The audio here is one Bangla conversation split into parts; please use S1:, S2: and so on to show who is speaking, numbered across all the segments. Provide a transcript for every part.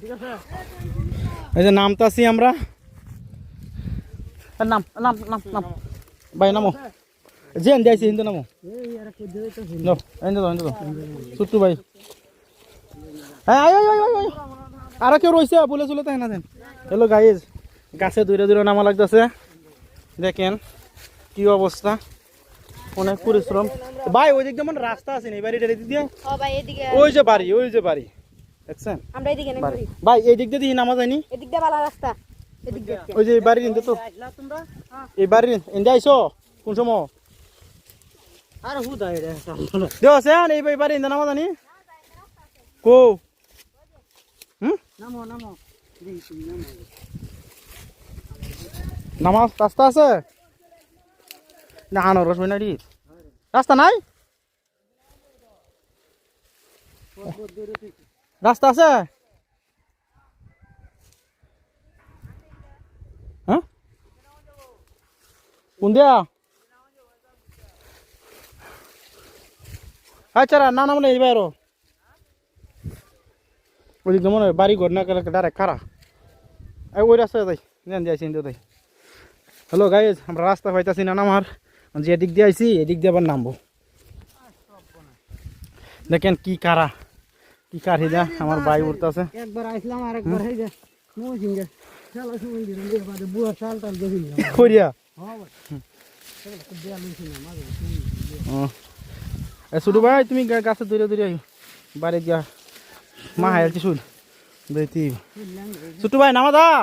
S1: এই যে নামতাছি আমরা, নাম নাম নাম নাম ভাই নামো, যে দিয়েছি হিন্দু নামো, ছোট্টু ভাই আরো কেউ রয়েছে বলে চলে তাই না দেন। হ্যালো গাইজ, গাছে দূরে দূরে নামা লাগতেছে, দেখেন কি অবস্থা, অনেক পরিশ্রম। ভাই ওই দিক যেমন রাস্তা আছে না, এই বাড়িটার এদিক দিয়ে, ওই যে বাড়ি, ওই যে বাড়ি দেখছেন ভাই, এই দিক দিয়ে নামা যায়নি, ওই যে বাড়ির ইন্দে তো, এই বাড়ির ইন্দে আইসো কোন সময় দেও আছে এই বাড়ি ইন্দে নামা জানি কো নামা রাস্তা আছে না? আনারস নাড়ি রাস্তা নাই, রাস্তা আছে হ্যাঁ কোন দিয়া? আচ্ছা না না মানে এইবার ওই দিক মনে হয় বাড়ি ঘর না ডাইরেক্ট খারা, ওই রাস্তা তাই যাইছি তাই। হ্যালো গাইজ, আমরা রাস্তা পাইতাছি না নামার, যে এদিক দিয়ে আইছি এদিক দিয়ে আবার নামবো। দেখেন কি কারা, কি কারি যা আমার ভাই উঠতেছে, একবার আইছিলাম আর একবার হই যা নজিঙ্গে চলো শুন দিন রে বাদে বুয়া চাল টাল দেখিল করিয়া। হ্যাঁ ভাই চলো তো দেয়া লইছি না মাঝে। এ ছোট ভাই তুমি গাছে দূরে দূরে আইও, বাড়ি গিয়া মা হাইলছি শুন দেইতি। ছোট ভাই নামা দা,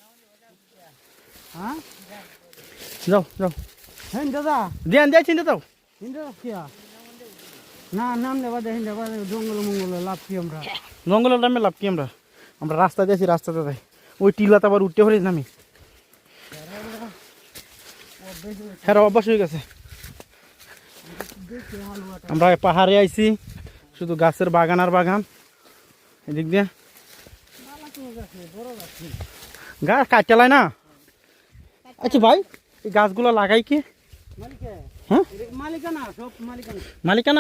S1: হ্যাঁ যাও যাও, হ্যাঁ দাদা দেন যাই চিন্তা দাও না নাম নেবা দেখেন দেবা জঙ্গল মঙ্গল লাভ কি, আমরা জঙ্গলের নামে লাভ কি, আমরা আমরা রাস্তা দিয়েছি, রাস্তাতে যাই ওই টিলাতে আবার উঠতে পারিস না আমি, হ্যাঁ অভ্যাস হয়ে গেছে। আমরা পাহাড়ে আইছি, শুধু গাছের বাগান আর বাগান, এদিক দিয়ে গাছ কাটতে না। আচ্ছা ভাই এই গাছগুলো লাগাই কি হ্যাঁ মালিকানা?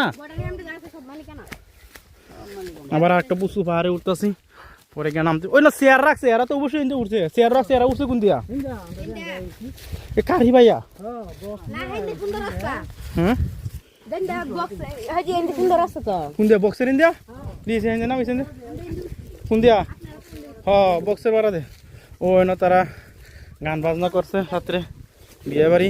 S1: আবার একটা বুসু পাহাড়ে উঠতেছি, পরে গিয়ে নামতে ওই না চেয়ার রাখছে, এরা তো অবশ্যই উঠছে, চেয়ার রাখছে, এরা উঠছে কোন দিয়া কারি ভাইয়া? হ্যাঁ কোন দিয়া বক্সের ইন্ডিয়া দিয়েছে না কোন দিয়া? হ্যাঁ বক্সের বাড়া দে, ও না তারা গান বাজনা করছে রাত্রে, বিয়ে বাড়ি।